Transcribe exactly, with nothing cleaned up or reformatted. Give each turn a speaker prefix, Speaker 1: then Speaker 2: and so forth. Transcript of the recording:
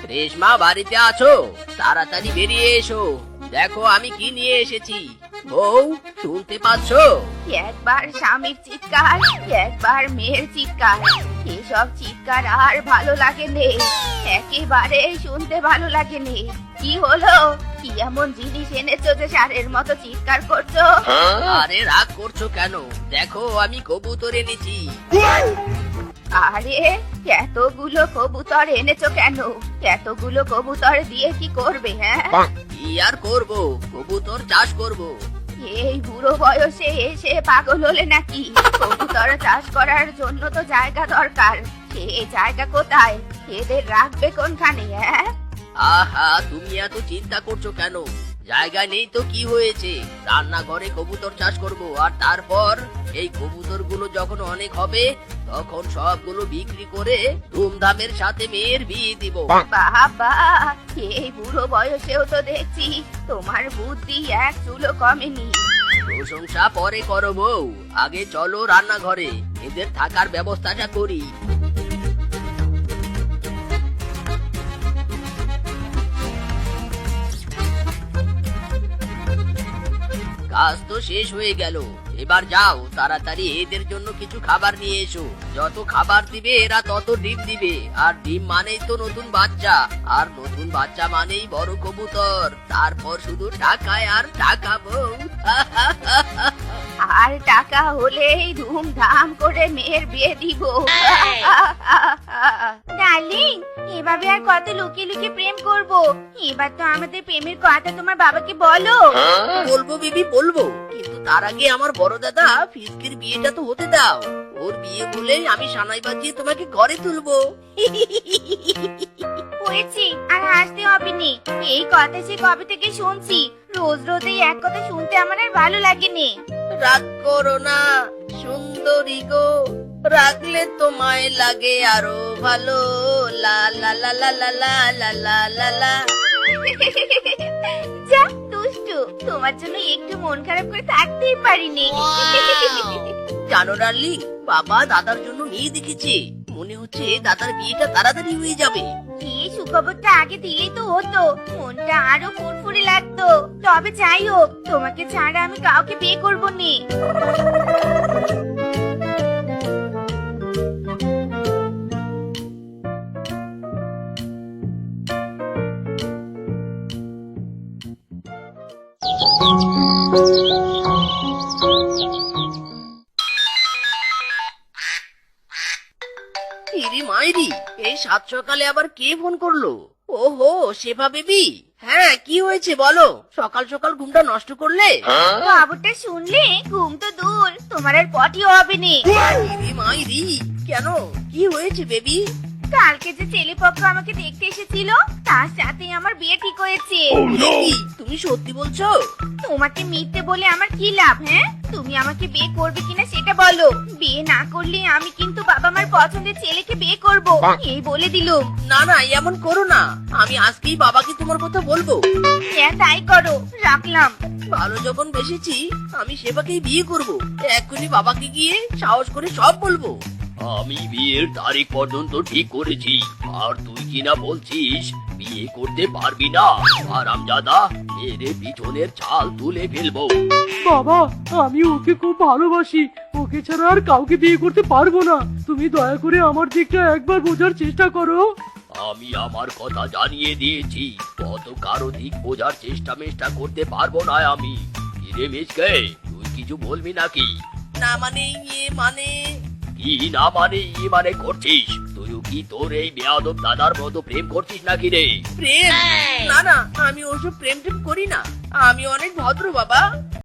Speaker 1: রেশমা বাড়িতে আছো? তাড়াতাড়ি বেরিয়ে এসো, দেখো আমি কি নিয়ে এসেছি। বউ, শুনতে পাচ্ছো?
Speaker 2: একবার স্বামীর চিৎকার, একবার মেয়ের চিৎকার, এসব চিৎকার আর ভালো লাগে নে, একেবারে শুনতে ভালো লাগে নে। কি হলো? কি এমন জিনিস এনেছো যে সারের মতো চিৎকার করছো?
Speaker 1: আরে রাগ করছো কেন? দেখো আমি কবুতর এনেছি।
Speaker 2: আরে এতগুলো কবুতর এনেছো কেন? এতগুলো কবুতর দিয়ে কি করবে? হ্যাঁ,
Speaker 1: কি আর করবো, কবুতর চাষ করব।
Speaker 2: এই বুড়ো বয়সে এসে পাগল হলে নাকি? কবুতর চাষ করার জন্য তো জায়গা দরকার, এই জায়গা কোথায়? এদের রাখবে কোনখানে? হ্যাঁ,
Speaker 1: আহা, তুমি এত চিন্তা করছো কেন? জায়গা নেই তো কি হয়েছে, রান্নাঘরে কবুতর চাষ করব। আর তারপর এই কবুতর গুলো যখন অনেক হবে তখন সবগুলো বিক্রি করে ধুমধামের সাথে মেয়ের বিয়ে দিব।
Speaker 2: বাবা, এই বুড়ো বয়সেও তো দেখছি তোমার বুদ্ধি এক চুলো কমেনি।
Speaker 1: প্রশংসা পরে করো বউ, আগে চলো রান্নাঘরে, এদের থাকার ব্যবস্থাটা করি। কাজ তো শেষ হয়ে গেল, এবার যাও তাড়াতাড়ি এদের জন্য কিছু খাবার নিয়ে এসো। যত খাবার দিবে এরা তত ডিম দিবে, আর ডিম মানেই তো নতুন বাচ্চা, আর নতুন বাচ্চা মানেই বড় কবুতর, তারপর শুধু টাকায় আর টাকা বউ।
Speaker 2: আর টাকা হলেই ধুমধাম করে মেয়ের বিয়ে দিব। ডার্লিং, এভাবে আর কত লুকিয়ে লুকিয়ে প্রেম করব? এবার তো আমাদের প্রেমের কথা তোমার বাবাকে বলো।
Speaker 1: বলবো বিবি, বলবো, কিন্তু তার আগে আমার বড় দাদা ফিসকির বিয়েটা তো হতে দাও। ওর বিয়ে বলে আমি সানাই বাজিয়ে তোমাকে ঘরে তুলবো।
Speaker 2: হয়েছে, আর হাসতে হবে নি। এই কথা সে কবে থেকে শুনছি, রোজ রোজ এই এক কথা শুনতে আমার আর ভালো লাগেনি।
Speaker 1: রাগ করো না সুন্দরী গো, রাখলে তোমায় লাগে আরো ভালো। লা লা লা লা লা লা লা লা লা লা।
Speaker 2: যা দুষ্টু, তোমার জন্য একটু মন খারাপ করে থাকতেই পারিনি।
Speaker 1: জানো ডার্লিং, বাবা দাদার জন্য মেয়ে দেখেছে, মনে হচ্ছে দাদার বিয়েটা তাড়াতাড়ি হয়ে যাবে।
Speaker 2: এই সুখবরটা আগে দিলেই তো হতো, মনটা আরো ফুরফুরে লাগতো। তবে যাই হোক, তোমাকে ছাড়া আমি কাউকে বিয়ে করবো নি।
Speaker 1: ইরি মাইরি, এই সাত সকালে আবার কে ফোন করলো? ওহো, শেফা বেবি। হ্যাঁ, কি হয়েছে বলো, সকাল সকাল ঘুমটা নষ্ট করলে?
Speaker 2: খবরটা শুনলে ঘুম তো দূর, তোমার আর পটিও হবে নি।
Speaker 1: ইরি মাইরি, কেন, কি হয়েছে বেবি?
Speaker 2: কালকে যে ছেলে পক্ষ আমাকে দেখতে এসেছিল, তার সাথে আমার বিয়ে ঠিক হয়েছে।
Speaker 1: বেবি, তুমি সত্যি বলছো?
Speaker 2: তোমাকে মিথ্যে বলে আমার কি লাভ? হ্যাঁ, তুমি আমাকে বিয়ে করবে কিনা সেটা বলো। বিয়ে না করলে আমি কিন্তু বাবা মার পছন্দের ছেলেকে বিয়ে করব, এই বলে দিলুম।
Speaker 1: না না, এমন করো না, আমি আজকেই বাবাকে তোমার কথা বলবো।
Speaker 2: হ্যাঁ, তাই করো, রাখলাম।
Speaker 1: ভালো যখন বেসেছি, আমি সেবাকেই বিয়ে করব। এক্ষুনি বাবাকে গিয়ে সাহস করে সব বলবো। আমি বিয়ের তারিখ পর্যন্ত ঠিক করেছি, আর তুই কিনা বলছিস বিয়ে করতে পারবি না? আরামজাদা, এর পিছনের ছাল তুলে ফেলবো।
Speaker 3: বাবা, আমি ওকে খুব ভালোবাসি, ওকে ছাড়া আর কাউকে বিয়ে করতে পারবো না। তুমি দয়া করে আমার দিকটা একবার বোঝার চেষ্টা করো।
Speaker 1: আমি আমার কথা জানিয়ে দিয়েছি, কত কারো দিক বোঝার চেষ্টা মেষ্টা করতে পারবো না আমি। কিরে মিসকে, তুই কিছু বলবি নাকি? না মানে ইয়ে মানে কি না মানে ই মানে করছিস? তুইও কি তোর এই বেয়াদব দাদার মতো প্রেম করছিস নাকি রে? প্রেম? না না, আমি ওসব প্রেম টেম করি না, আমি অনেক ভদ্র বাবা,